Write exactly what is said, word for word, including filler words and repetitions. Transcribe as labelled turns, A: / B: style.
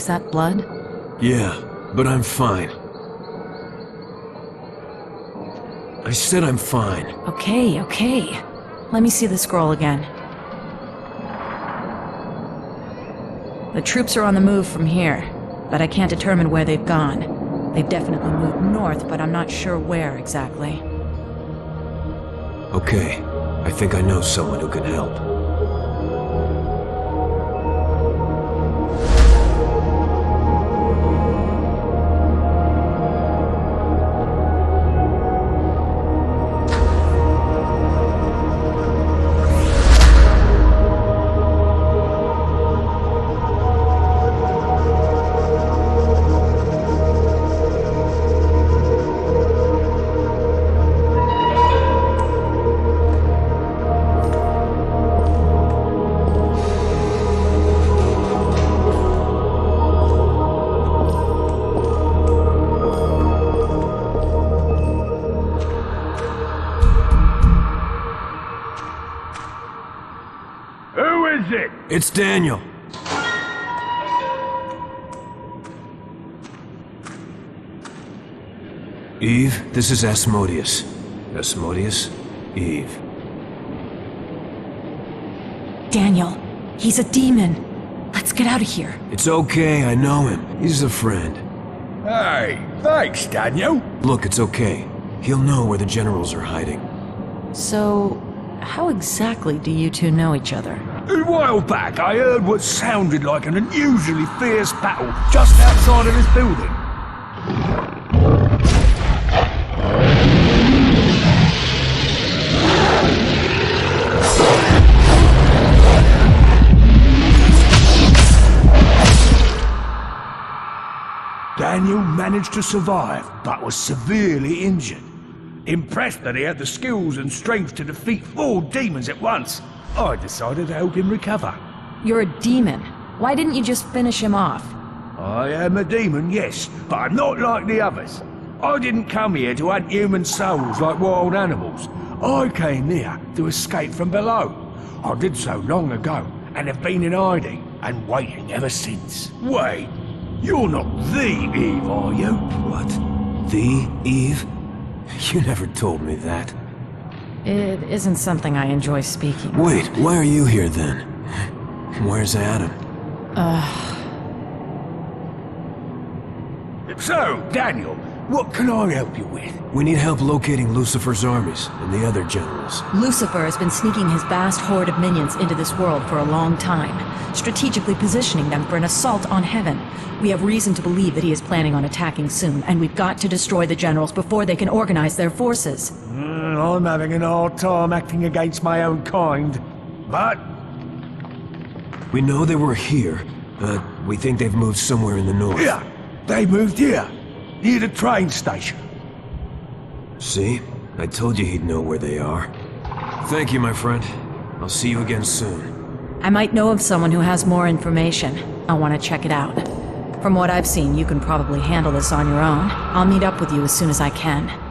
A: that blood?
B: Yeah, but I'm fine. I said I'm fine.
A: Okay, okay. Let me see the scroll again. The troops are on the move from here, but I can't determine where they've gone. They've definitely moved north, but I'm not sure where exactly.
B: Okay, I think I know someone who can help. It's Daniel. Eve, this is Asmodeus. Asmodeus, Eve.
A: Daniel, he's a demon. Let's get out of here.
B: It's okay, I know him. He's a friend.
C: Hey, thanks, Daniel.
B: Look, it's okay. He'll know where the generals are hiding.
A: So, how exactly do you two know each other?
C: A while back, I heard what sounded like an unusually fierce battle just outside of this building. Daniel managed to survive, but was severely injured. Impressed that he had the skills and strength to defeat four demons at once, I decided to help him recover.
A: You're a demon. Why didn't you just finish him off?
C: I am a demon, yes, but I'm not like the others. I didn't come here to hunt human souls like wild animals. I came here to escape from below. I did so long ago, and have been in hiding, and waiting ever since. Wait, you're not the Eve, are you?
B: What? The Eve? You never told me that.
A: It isn't something I enjoy speaking.
B: Wait, why are you here then? Where's Adam?
A: Ugh.
C: So, Daniel, what can I help you with?
B: We need help locating Lucifer's armies and the other generals.
A: Lucifer has been sneaking his vast horde of minions into this world for a long time, strategically positioning them for an assault on heaven. We have reason to believe that he is planning on attacking soon, and we've got to destroy the generals before they can organize their forces.
C: Mm, I'm having an hard time acting against my own kind, but...
B: We know they were here, but we think they've moved somewhere in the north.
C: Yeah, they moved here, near the train station.
B: See? I told you he'd know where they are. Thank you, my friend. I'll see you again soon.
A: I might know of someone who has more information. I want to check it out. From what I've seen, you can probably handle this on your own. I'll meet up with you as soon as I can.